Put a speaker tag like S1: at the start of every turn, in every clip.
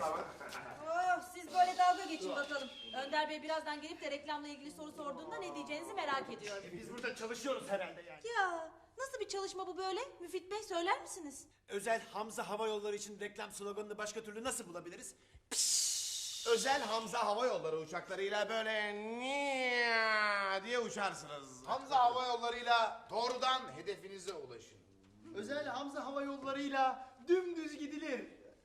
S1: ama.
S2: Oh, siz böyle dalga geçin bakalım. Önder Bey birazdan gelip de reklamla ilgili soru sorduğunda ne diyeceğinizi merak ediyorum.
S1: Biz burada çalışıyoruz herhalde yani.
S2: Ya nasıl bir çalışma bu böyle? Müfit Bey söyler misiniz?
S1: Özel Hamza Hava Yolları için reklam sloganını başka türlü nasıl bulabiliriz?
S3: Özel Hamza Hava Yolları uçaklarıyla böyle niye diye uçarsınız. Hamza Hava Yolları'yla doğrudan hedefinize ulaşın.
S1: Özel Hamza Hava Yolları'yla dümdüz gidilir.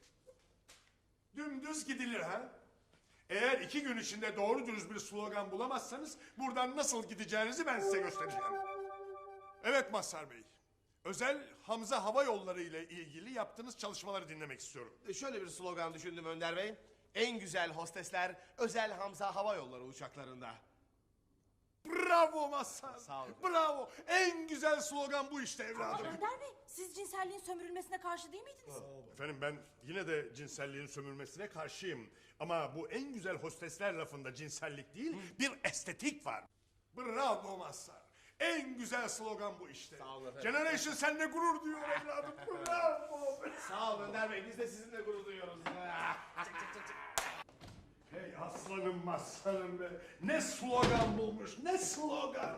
S4: Dümdüz gidilir ha? Eğer 2 gün içinde doğru dürüst bir slogan bulamazsanız buradan nasıl gideceğinizi ben size göstereceğim. Evet Mazhar Bey. Özel Hamza Hava Yolları ile ilgili yaptığınız çalışmaları dinlemek istiyorum.
S3: Şöyle bir slogan düşündüm Önder Bey. En güzel hostesler Özel Hamza Hava Yolları uçaklarında.
S4: Bravo Mazhar.
S3: Sağ olun.
S4: Bravo. En güzel slogan bu işte evladım.
S2: Önder Bey siz cinselliğin sömürülmesine karşı değil miydiniz?
S4: Efendim ben yine de cinselliğin sömürmesine karşıyım. Ama bu en güzel hostesler lafında cinsellik değil, bir estetik var. Bravo Mazhar. En güzel slogan bu işte.
S3: Sağ olun efendim.
S4: Generation seninle gurur duyuyor evladım. Bravo.
S3: Sağ olun Önder Bey, biz de sizinle gurur duyuyoruz.
S4: Hey aslanım Mazhar'ım be. Ne slogan bulmuş, ne slogan.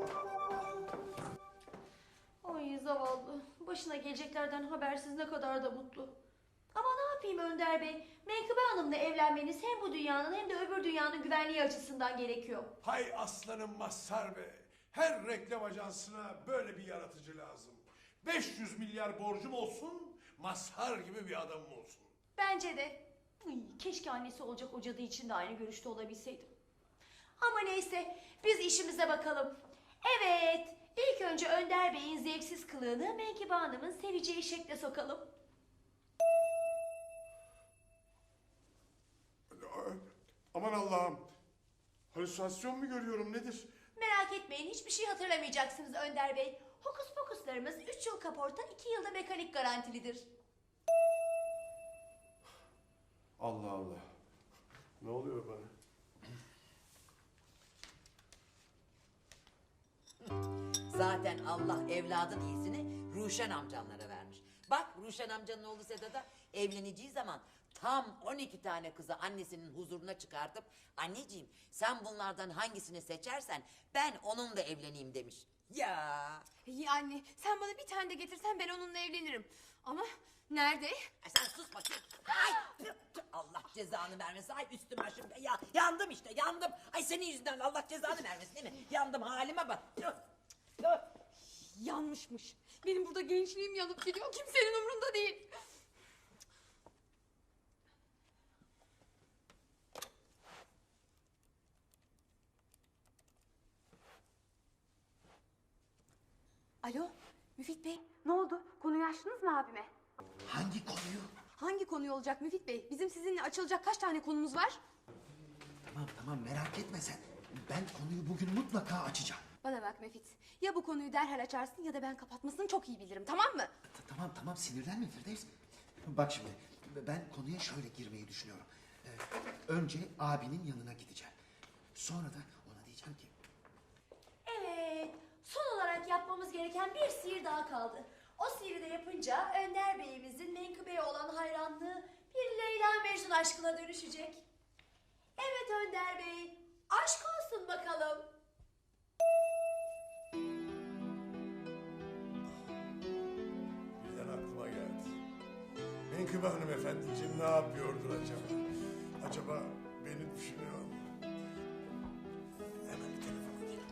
S5: Ay zavallı. Başına geleceklerden habersiz ne kadar da mutlu. Ama ne yapayım Önder Bey? Menkıbe Hanım'la evlenmeniz hem bu dünyanın hem de öbür dünyanın güvenliği açısından gerekiyor.
S4: Hay aslanım Mazhar be. Her reklam ajansına böyle bir yaratıcı lazım. 500 milyar borcum olsun, Mazhar gibi bir adamım olsun.
S5: Bence de. Keşke annesi olacak o cadı için de aynı görüşte olabilseydim. Ama neyse biz işimize bakalım. Evet, ilk önce Önder Bey'in zevksiz kılığını Menkıbe Hanım'ın seveceği şekle sokalım.
S4: Aman Allah'ım. Halüsinasyon mu görüyorum nedir?
S5: Merak etmeyin, hiçbir şey hatırlamayacaksınız Önder Bey. Hokus pokuslarımız 3 yıl kaporta, 2 yılda mekanik garantilidir.
S4: Allah Allah. Ne oluyor bana?
S6: Zaten Allah evladın iyisini Ruşen amcanlara vermiş. Bak Ruşen amcanın oğlu Sedat'a evleneceği zaman tam 12 tane kızı annesinin huzuruna çıkartıp anneciğim sen bunlardan hangisini seçersen ben onunla evleneyim demiş. Ya
S7: İyi anne, sen bana bir tane de getirsen ben onunla evlenirim. Ama nerede?
S6: sen sus bakayım. Ay, Allah cezanı vermesin. Ay üstüme şimdi ya yandım işte yandım. Ay senin yüzünden Allah cezanı vermesin değil mi? Yandım halime bak.
S7: Yanmışmış. Benim burada gençliğim yanıp gidiyor, kimsenin umrunda değil. Alo, Müfit Bey, ne oldu? Konuyu açtınız mı abime?
S1: Hangi konuyu?
S7: Hangi konuyu olacak Müfit Bey? Bizim sizinle açılacak kaç tane konumuz var?
S1: Tamam merak etme sen. Ben konuyu bugün mutlaka açacağım.
S7: Bana bak Müfit, ya bu konuyu derhal açarsın ya da ben kapatmasını çok iyi bilirim, tamam mı?
S1: Tamam sinirlenme Firdevs. Bak şimdi ben konuya şöyle girmeyi düşünüyorum. Önce abinin yanına gideceğim. Sonra da ona diyeceğim ki...
S5: Evet, son olarak yapmamız gereken bir sihir daha kaldı. O sihiri de yapınca Önder Bey'imizin Menkıbe'ye olan hayranlığı bir Leyla Mecnun aşkına dönüşecek. Evet Önder Bey, aşk olsun bakalım.
S4: Birden aklıma geldi. Menkıbe hanımefendiciğim ne yapıyordur acaba? Acaba beni düşünüyor mu? Hemen bir telefon edeyim.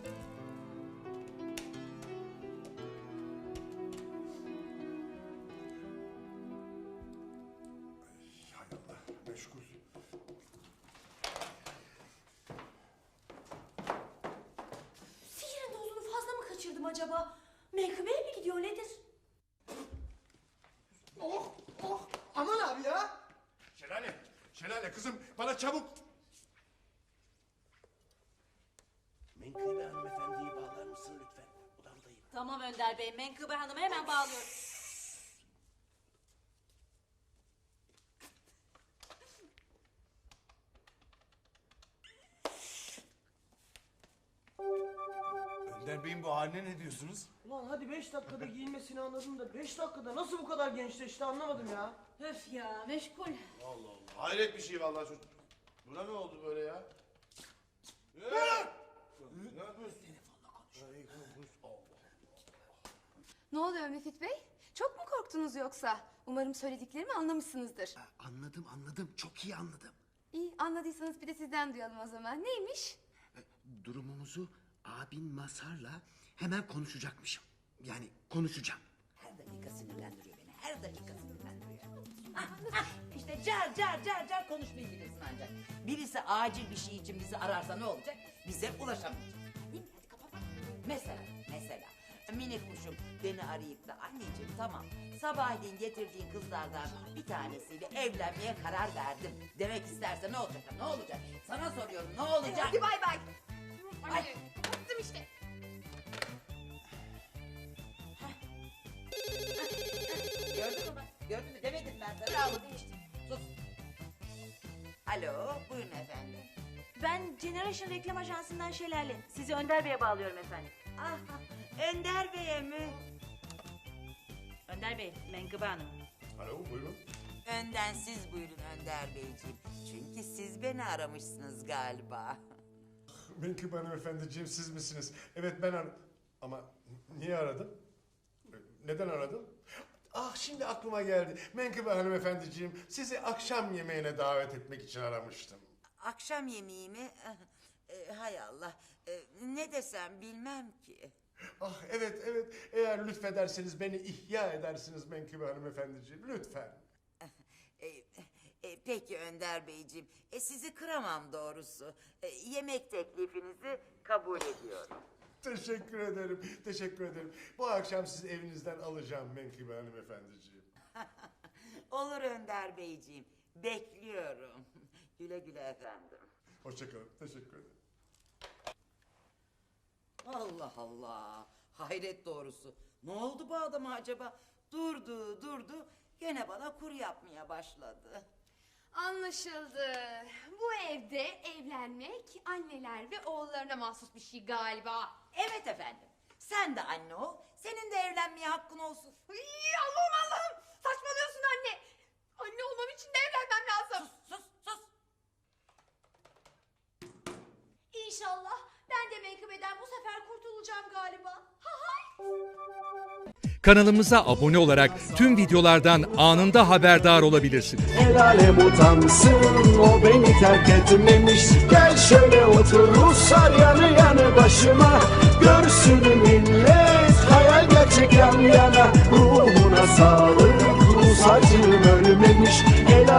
S4: Ay, hay Allah, meşgul.
S5: Sihirin dozunu fazla mı kaçırdım acaba? Menkıbe'ye mi gidiyor nedir?
S1: Aman abi ya!
S4: Şelale kızım bana çabuk.
S3: Menkıbe hanımefendiyi bağlar mısın lütfen? Odamdayım.
S2: Tamam Önder Bey, Menkıbe Hanım'ı hemen bağlıyorum.
S3: Önder Bey'in bu haline ne diyorsunuz?
S8: Ulan hadi 5 dakikada giyinmesini anladım da 5 dakikada nasıl bu kadar gençleşti anlamadım ya.
S2: Öf ya meşgul.
S3: Allah Allah. Hayret bir şey vallahi çocuk. Buna ne oldu böyle ya? Ne yapıyorsun?
S7: Ne oluyor Müfit Bey? Çok mu korktunuz yoksa? Umarım söylediklerimi anlamışsınızdır.
S1: Anladım. Çok iyi anladım.
S7: İyi, anladıysanız bir de sizden duyalım o zaman. Neymiş?
S1: Durumumuzu abin Mazhar'la hemen konuşacakmışım. Yani konuşacağım.
S6: Her dakika sinirlendiriyor beni. Her dakika sinirlendiriyor. İşte car konuşmayı bilirsin ancak. Birisi acil bir şey için bizi ararsa ne olacak? Bize ulaşamayacak. Değil mi? Hadi kapat. Mesela minik kuşum beni arayıp da anneciğim tamam sabahleyin getirdiğin kızlardan bir tanesiyle evlenmeye karar verdim demek isterse ne olacak? Ne olacak? Sana soruyorum ne olacak?
S7: Hadi bay bay.
S6: Ay.
S7: Hadi, kapattım işte.
S6: Gördün mü bak? Gördün mü? Demedim ben sana.
S7: Bravo demiştim.
S6: Sus. Alo, buyurun efendim.
S2: Ben Generation Reklam Ajansı'ndan Şelale. Sizi Önder Bey'e bağlıyorum efendim.
S6: Ah, Önder Bey'e mi?
S2: Önder Bey, Menkıbe Hanım.
S4: Alo buyurun.
S6: Önden siz buyurun Önder Beyciğim. Çünkü siz beni aramışsınız galiba.
S4: Menkıbe hanımefendiciğim siz misiniz? Evet ben Ama niye aradım? Neden aradım? Ah şimdi aklıma geldi. Menkıbe hanımefendiciğim sizi akşam yemeğine davet etmek için aramıştım.
S6: Akşam yemeği mi? Hay Allah. Ne desem bilmem ki.
S4: Ah evet eğer lütfederseniz beni ihya edersiniz Menkıbe hanımefendiciğim lütfen.
S6: Peki Önder Beyciğim. Sizi kıramam doğrusu. Yemek teklifinizi kabul ediyorum.
S4: Teşekkür ederim. Bu akşam sizi evinizden alacağım Menkıbe hanımefendiciğim.
S6: Olur Önder Beyciğim. Bekliyorum. Güle güle efendim.
S4: Hoşçakalın, teşekkür ederim.
S6: Allah Allah. Hayret doğrusu. Ne oldu bu adama acaba? Durdu. Gene bana kur yapmaya başladı.
S7: Anlaşıldı. Bu evde evlenmek anneler ve oğullarına mahsus bir şey galiba.
S6: Evet efendim. Sen de anne ol. Senin de evlenmeye hakkın olsun.
S7: Ay, Allah'ım. Saçmalıyorsun anne. Anne olmam için de evlenmem lazım.
S6: Sus.
S5: İnşallah ben de Menkıbe'den bu sefer kurtulacağım galiba. Ha hay.
S9: Kanalımıza abone olarak tüm videolardan anında haberdar olabilirsiniz.
S10: El alem utansın o beni terk etmemiş. Gel şöyle otur Ruslar yanı yanı başıma. Görsün millet hayal gerçek yan yana. Ruhuna sağlık Rus acım ölmemiş.